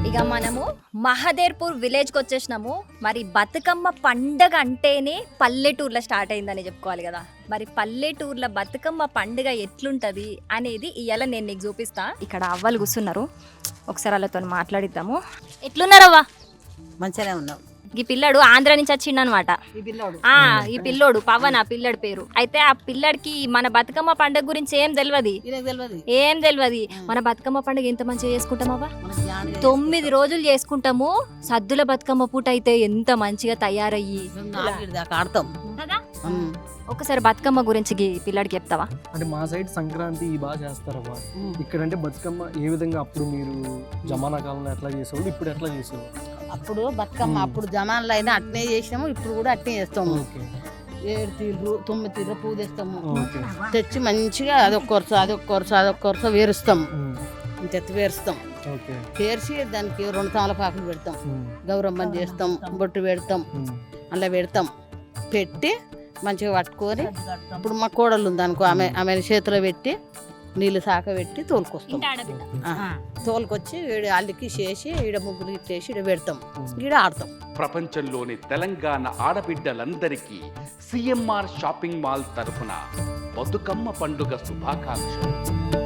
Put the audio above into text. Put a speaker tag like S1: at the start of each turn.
S1: ఇక మనము మహదేర్పూర్ విలేజ్కి వచ్చేసినాము. మరి బతుకమ్మ పండగ అంటేనే పల్లెటూర్లో స్టార్ట్ అయిందని చెప్పుకోవాలి కదా. మరి పల్లెటూర్ల బతుకమ్మ పండుగ ఎట్లుంటది అనేది ఇవాళ నేను నీకు చూపిస్తా. ఇక్కడ అవ్వలు కూర్చున్నారు, ఒకసారి వాళ్ళతో మాట్లాడిద్దాము. ఎట్లున్నారవ్వా?
S2: మంచిగానే ఉన్నాం.
S1: ఈ పిల్లడు ఆంధ్ర నుంచి వచ్చిండు అనమాట. ఈ పిల్లోడు పవన్, ఆ పిల్లడి పేరు. అయితే ఆ పిల్లడికి మన బతుకమ్మ పండుగ గురించి ఏం తెలియదు. మన బతుకమ్మ పండుగ ఎంత మంచిగా చేసుకుంటామవ్వా? 9 రోజులు చేసుకుంటాము. సద్దుల బతుకమ్మ పూట అయితే ఎంత మంచిగా తయారయ్యి
S2: ఆడతాం
S1: కదా. ఒకసారి బతుకమ్మ గురించి పిల్లడికి చెప్తావా?
S3: అంటే మా సైడ్ సంక్రాంతి బాగా చేస్తారవ్వ. ఇక్కడ అంటే బతుకమ్మ ఏ విధంగా అప్పుడు మీరు జమానా కాలంలో ఎట్లా చేసేవాళ్ళు, ఇప్పుడు ఎట్లా చేసేవాళ్ళు?
S2: అప్పుడు బతుకమ్మ అప్పుడు జమాన్లో అయినా అట్నే చేసినాము, ఇప్పుడు కూడా అట్నే చేస్తాము. 7 తీర్లు 9 తీర్లు పువ్వు తెస్తాము, తెచ్చి మంచిగా అదొక్క కొరస వేరుస్తాము. ఇంత వేరుస్తాం, పేర్చి దానికి 2 తమలపాకులు పెడతాం, గౌరమ్మని చేస్తాం, బొట్టు పెడతాం, అలా పెడతాం. పెట్టి మంచిగా పట్టుకొని ఇప్పుడు మా కోడలు ఉంది అనుకో, ఆమె చేతిలో పెట్టి నీళ్ళు సాక పెట్టి తోలుకొస్తాం. తోలుకొచ్చి అల్లికి చేసి ఈడ ముగ్గులు ఇట్టేసి ఈడ పెడతాం, ఈడ ఆడతాం.
S4: ప్రపంచంలోని తెలంగాణ ఆడబిడ్డలందరికీ సిఎంఆర్ షాపింగ్ మాల్ తరఫున బతుకమ్మ పండుగ శుభాకాంక్షలు.